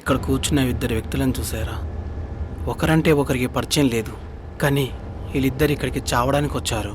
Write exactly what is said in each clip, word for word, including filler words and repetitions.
ఇక్కడ కూర్చున్న ఇద్దరు వ్యక్తులను చూసారా? ఒకరంటే ఒకరికి పరిచయం లేదు, కానీ వీళ్ళిద్దరు ఇక్కడికి చావడానికి వచ్చారు.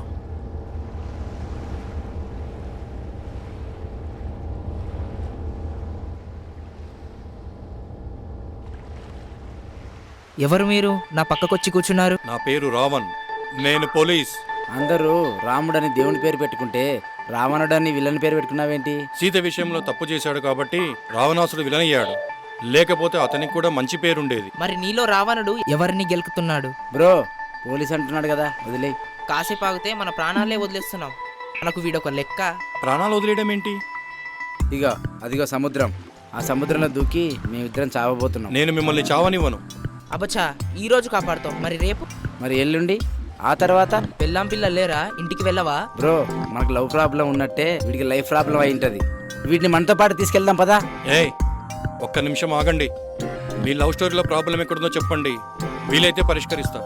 ఎవరు మీరు? నా పక్కకొచ్చి కూర్చున్నారు. నా పేరు రావణ్, నేను పోలీస్. అందరూ రాముడని దేవుని పేరు పెట్టుకుంటే రావణుడని విలన్ పేరు పెట్టుకున్నావేంటి? సీత విషయంలో తప్పు చేశాడు కాబట్టి రావణాసుడు విలన్ అయ్యాడు, లేకపోతే అతనికి కూడా మంచి పేరుండేది. మరి నీలో రావణుడు ఎవరిని గెలుకుతున్నాడు? బ్రో పోలీస్ అంటున్నాడు కదా, వదిలే. కాసేపు ఆగితే మన ప్రాణాలే వదిలేస్తున్నాం. మనకు వీడొక లెక్క. ప్రాణాలు వదిలేయడం ఏంటి? ఇగో అదిగో సముద్రం. ఆ సముద్రంలో దూకి మేమిద్దరం చావబోతున్నాం. నేను మిమ్మల్ని చావనివ్వను. అబ్బచ్చా, ఈ రోజు కాపాడుతాం, మరి రేపు? మరి ఎల్లుండి, ఆ తర్వాత? పెళ్ళాం పిల్ల లేరా? ఇంటికి వెళ్ళవా? బ్రో మనకు లవ్ ప్రాబ్లం ఉన్నట్టే వీడికి లైఫ్ ప్రాబ్లం అయి ఉంటది. వీటిని మనతో పాటు తీసుకెళ్దాం పదా. ఏయ్ ఒక్క నిమిషం ఆగండి. మీ లవ్ స్టోరీలో ప్రాబ్లం ఎక్కడుందో చెప్పండి, వీలైతే పరిష్కరిస్తా.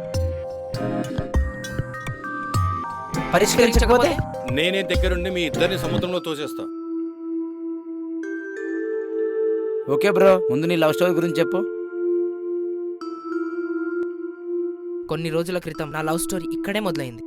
పరిష్కరించకపోతే నేనే దగ్గరుండి మీ ఇద్దరిని సముద్రంలో తోసేస్తా. ఓకే బ్రో, ముందు నీ లవ్ స్టోరీ గురించి చెప్పు. కొన్ని రోజుల క్రితం నా లవ్ స్టోరీ ఇక్కడే మొదలైంది.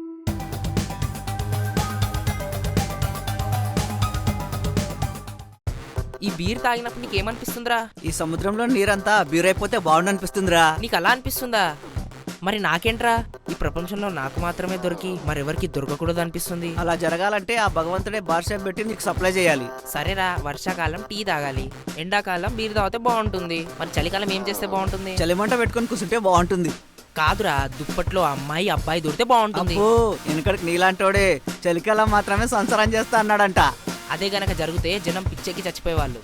ఈ బీర్ తాగినప్పుడు నీకేమనిపిస్తుందిరా? ఈ సముద్రంలో నీరంతా బీరైపోతే బాగుండనిపిస్తుందిరా. నీకు అలా అనిపిస్తుందా? మరి నాకేంట్రా? ఈ ప్రపంచంలో నాకు మాత్రమే దొరికి మరెవరికి దొరకకూడదు అనిపిస్తుంది. అలా జరగాలంటే ఆ భగవంతుడే బార్ షాప్ పెట్టి నీకు సప్లై చేయాలి. సరేరా, వర్షాకాలం టీ తాగాలి, ఎండాకాలం బీర్ తాగితే బాగుంటుంది. మరి చలికాలం ఏం చేస్తే బాగుంటుంది? చలిమంట పెట్టుకొని కూర్చుంటే బాగుంటుంది. కాదురా, దుప్పట్లో అమ్మాయి అబ్బాయి దొరికితే బాగుంటుంది. ఓ వెనకడికి నీలాంటోడే చలికాలం మాత్రమే సంసారం చేస్తా అన్నాడంట. అదే గనక జరిగితే జనం పిచ్చెక్కి చచ్చిపోయేవాళ్ళు.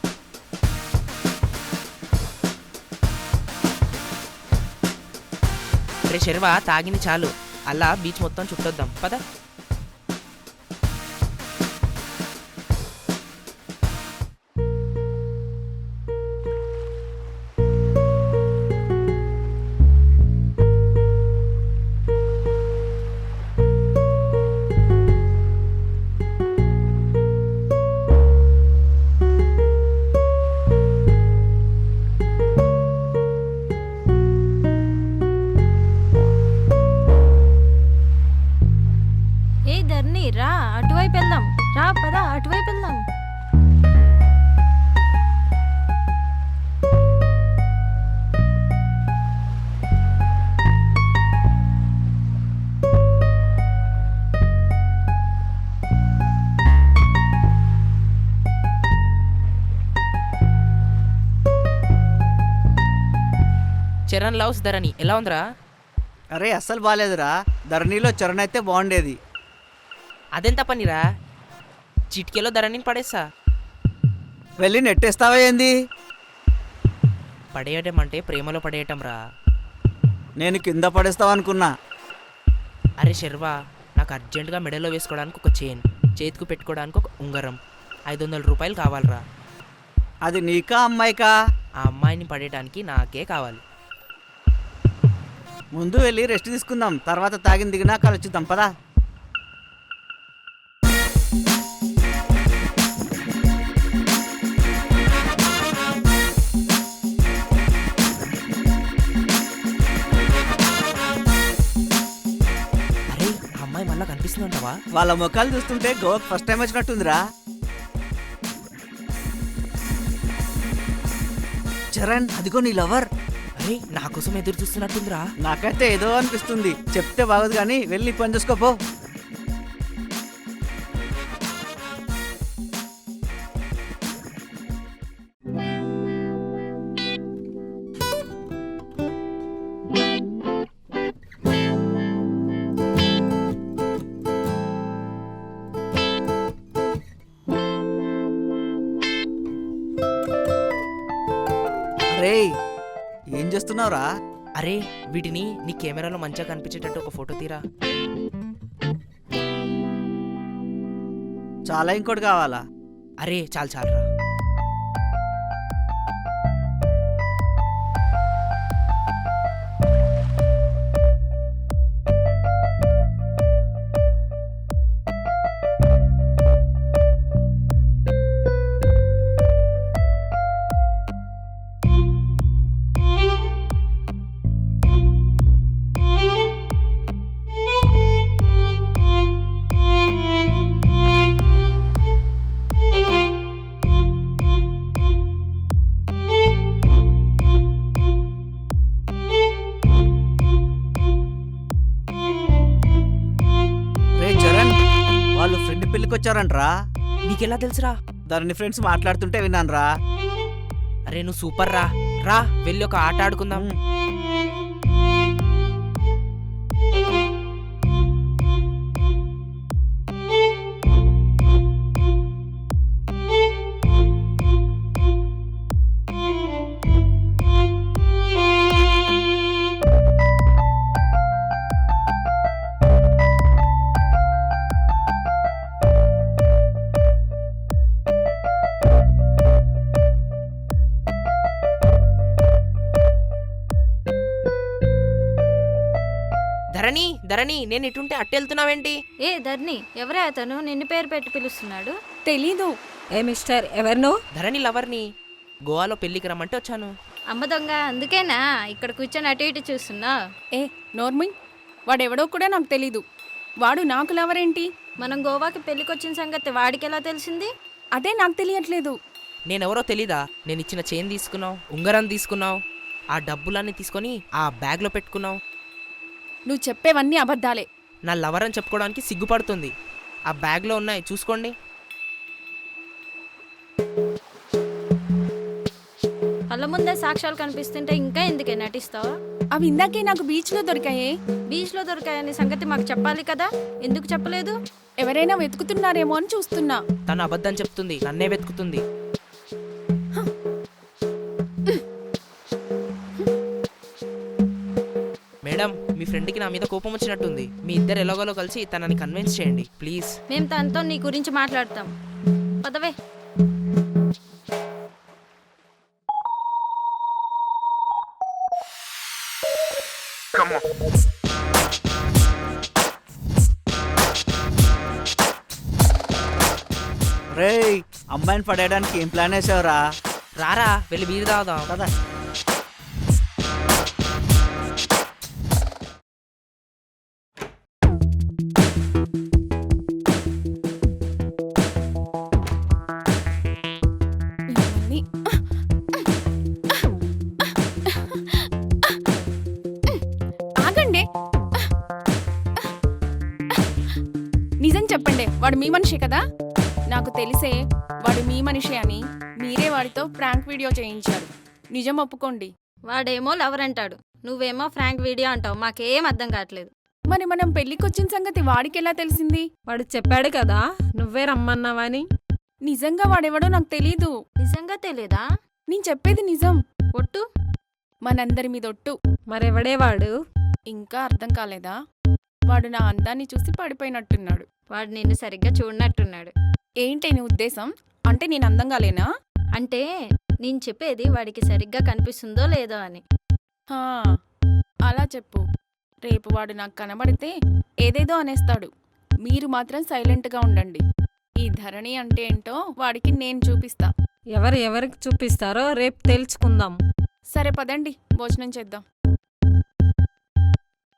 రే శర్వా, తాగింది చాలు, అలా బీచ్ మొత్తం చుట్టొద్దాం పద. రా అటువైపు వెళ్దాం. రా పద, అటువైపు వెళ్దాం. చరణ్ లవ్స్ ధరణి ఎలా ఉందిరా? అరే అస్సలు బాగాలేదురా. ధరణిలో చరణ్ అయితే బాగుండేది. అదెంత పనిరా? చిటికెలో ధరణిని పడేస్తా. వెళ్ళి నెట్టేస్తావా ఏంది? పడేయటం అంటే ప్రేమలో పడేయటం రా. నేను కింద పడేస్తావు అనుకున్నా. అరే శర్వా, నాకు అర్జెంటుగా మెడలో వేసుకోవడానికి ఒక చైన్, చేతికి పెట్టుకోవడానికి ఒక ఉంగరం, ఐదు వందల రూపాయలు కావాలరా. అది నీకా అమ్మాయికా? ఆ అమ్మాయిని పడేయడానికి నాకే కావాలి. ముందు వెళ్ళి రెస్ట్ తీసుకుందాం, తర్వాత తాగిన దిగినా కలుచుద్దాం పదా. కనిపిస్తుందంటావా? వాళ్ళ ముఖాలు చూస్తుంటే గోవాకి ఫస్ట్ టైం వచ్చినట్టుందిరా. చరణ్, అదిగో నీ లవర్. అరే నా కోసం ఎదురు చూస్తున్నట్టుందిరా. నాకైతే ఏదో అనిపిస్తుంది. చెప్తే బాగోదు కానీ వెళ్ళి పని చూసుకోపో. అరే ఏం చేస్తున్నావురా? అరే వీటిని నీ కెమెరాలో మంచిగా కనిపించేటట్టు ఒక ఫోటో తీరా. చాలా ఇంకోటి కావాలా? అరే చాలు చాలురా. వచ్చారంట్రా. నీకెలా తెలుసురా? ధరణి ఫ్రెండ్స్ మాట్లాడుతుంటే విన్నానురా. అరే నువ్వు సూపర్ రా. రా వెళ్ళి ఒక ఆట ఆడుకుందాం. ధరణి ధరణి నేను ఇటుంటే అట్టెళ్తున్నావేంటి? ఏ ధర్ని, ఎవరే అతను నిన్ను పేరు పెట్టి పిలుస్తున్నాడు? తెలీదు. ఏ మిస్టర్ ఎవరినో? ధరణి లవర్ని. గోవాలో పెళ్లికి రమ్మంటే వచ్చాను. అమ్మ దొంగ, అందుకేనా ఇక్కడ కూర్చొని అటు ఇటు చూస్తున్నా? ఏ నోర్మిన్, వాడెవడో కూడా నాకు తెలీదు. వాడు నాకు లవరేంటి? మనం గోవాకి పెళ్లికొచ్చిన సంగతి వాడికి ఎలా తెలిసింది? అదే నాకు తెలియట్లేదు. నేనెవరో తెలీదా? నేను ఇచ్చిన చైన్ తీసుకున్నావు, ఉంగరం తీసుకున్నావు, ఆ డబ్బులన్నీ తీసుకొని ఆ బ్యాగ్లో పెట్టుకున్నావు. నువ్వు చెప్పేవన్నీ అబద్ధాలే. నా లవర్ అని చెప్పుకోవడానికి సిగ్గుపడుతుంది. ఆ బ్యాగ్లో ఉన్నాయి, చూసుకోండి. కళ్ళ ముందే సాక్ష్యాలు కనిపిస్తుంటే ఇంకా ఎందుకే నటిస్తావా? అవి ఇందాకే నాకు బీచ్లో దొరికాయే. బీచ్లో దొరికాయనే సంగతి మాకు చెప్పాలి కదా, ఎందుకు చెప్పలేదు? ఎవరైనా వెతుకుతున్నారేమో అని చూస్తున్నా. తను అబద్ధం చెప్తుంది, నన్నే వెతుకుతుంది. మేడం, మీ ఫ్రెండ్కి నా మీద కోపం వచ్చినట్టుంది. మీ ఇద్దరు ఎలాగోలో కలిసి తనని కన్విన్స్ చేయండి ప్లీజ్. మేము తనతో నీ గురించి మాట్లాడతాం. పదవే. రేయ్, అమ్మాయిని పడేయడానికి ఏం ప్లాన్ వేసావురా? రారా వెళ్ళి బీరు తాగుదాం. కదా ఇవన్నీ. ఆగండి. నిజం చెప్పండి, వాడు మీ మనిషి కదా? నాకు తెలిసే వాడు మీ మనిషి అని మీరే వాడితో ప్రాంక్ వీడియో చేయించారు. నిజం ఒప్పుకోండి. వాడేమో లవర్ అంటాడు, నువ్వేమో ఫ్రాంక్ వీడియో అంటావు. మాకేం అర్థం కావట్లేదు. మరి మనం పెళ్లికొచ్చిన సంగతి వాడికి ఎలా తెలిసింది? వాడు చెప్పాడు కదా నువ్వే రమ్మన్నావని. నిజంగా వాడెవడో నాకు తెలీదు. నిజంగా తెలియదా? నేను చెప్పేది నిజం. ఒట్టు? మనందరి మీద ఒట్టు. మరెవడే వాడు? ఇంకా అర్థం కాలేదా? వాడు నా అందాన్ని చూసి పడిపోయినట్టున్నాడు. వాడు నిన్ను సరిగ్గా చూడనట్టున్నాడు. ఏంటి నీ ఉద్దేశం? అంటే నేను అందంగా లేనా? అంటే నేను చెప్పేది వాడికి సరిగ్గా కనిపిస్తుందో లేదో అని. హా, అలా చెప్పు. రేపు వాడు నాకు కనబడితే ఏదేదో అనేస్తాడు. మీరు మాత్రం సైలెంట్గా ఉండండి. ఈ ధరణి అంటే ఏంటో వాడికి నేను చూపిస్తా. ఎవరు ఎవరికి చూపిస్తారో రేపు తెలుసుకుందాం. సరే పదండి, భోజనం చేద్దాం.